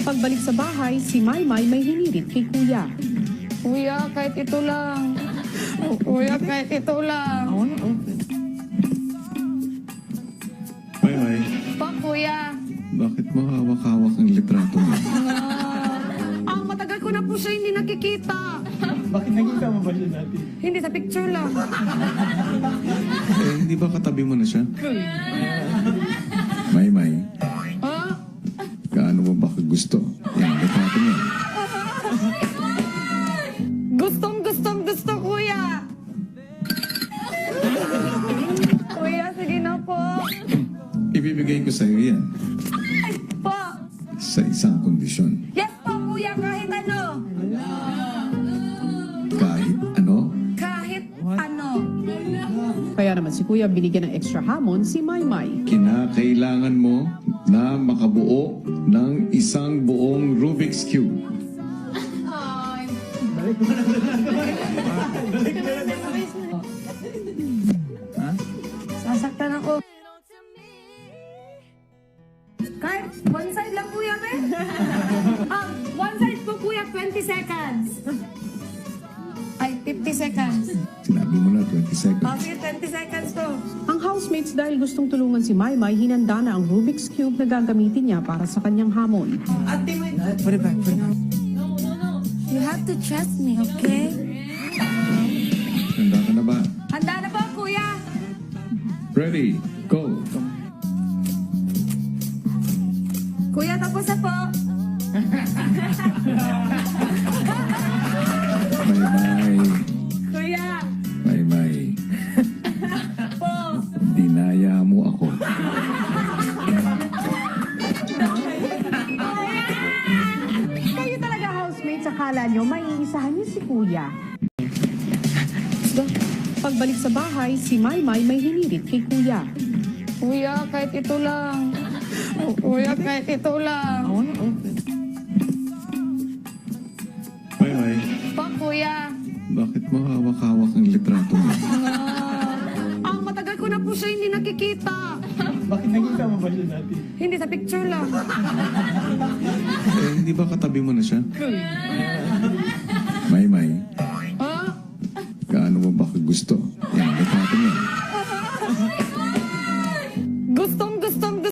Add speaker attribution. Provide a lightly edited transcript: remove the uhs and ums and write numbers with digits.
Speaker 1: Pagbalik sa bahay, si Maymay may hinirit kay Kuya.
Speaker 2: Kuya, kahit ito lang. Kuya, kahit ito lang.
Speaker 3: Maymay,
Speaker 2: Pa, kuya.
Speaker 3: bakit mo hawak-hawak ang litrato mo?
Speaker 2: Matagal ko na po siya hindi nakikita.
Speaker 4: Bakit nakita mo ba siya dati?
Speaker 2: Hindi, sa picture lang.
Speaker 3: Hindi ba katabi mo na siya? Maymay,
Speaker 2: Ha?
Speaker 3: gaano mo ba gusto? Yan, litrato mo.
Speaker 2: Gusto, kuya. Kuya, sige na po.
Speaker 3: Ibibigay ko sa iyo yan
Speaker 2: Po.
Speaker 3: sa isang kondisyon.
Speaker 2: Yes po, kuya, kahit ano.
Speaker 3: Kahit ano,
Speaker 2: Kahit ano.
Speaker 1: Kaya naman si Kuya binigyan ng extra hamon si Maymay.
Speaker 3: kinakailangan mo na makabuo ng isang buong Rubik's Cube.
Speaker 2: Sasaktan ako. Kahit one side lang, kuya, be. One side po, kuya, 20 seconds. Ay, 50 seconds.
Speaker 3: Sinabi mo na 20 seconds.
Speaker 2: Okay, 20 seconds po.
Speaker 1: Ang housemates dahil gustong tulungan si Maymay, hinanda na ang Rubik's Cube na gagamitin niya para sa kanyang hamon.
Speaker 4: Put it back.
Speaker 2: You have to trust me, okay?
Speaker 3: Handa ka na ba?
Speaker 2: Handa na po, kuya.
Speaker 3: Ready, go!
Speaker 2: Kuya, tapos na po.
Speaker 3: Maymay,
Speaker 2: Kuya,
Speaker 3: Maymay,
Speaker 2: po.
Speaker 3: dinaya mo ako.
Speaker 1: Kayo talaga housemates, akala nyo maiisahan niyo si Kuya. Pagbalik sa bahay, si Maymay may hinirit kay Kuya.
Speaker 2: Kuya, kahit ito lang. Kuya, kahit ito lang.
Speaker 3: Maymay,
Speaker 2: Pa, kuya.
Speaker 3: bakit mo hawak-hawak ang litrato mo?
Speaker 2: Matagal ko na po siya hindi nakikita.
Speaker 4: Bakit nakita mo ba siya dati?
Speaker 2: Hindi, sa picture lang.
Speaker 3: Hindi ba katabi mo na siya?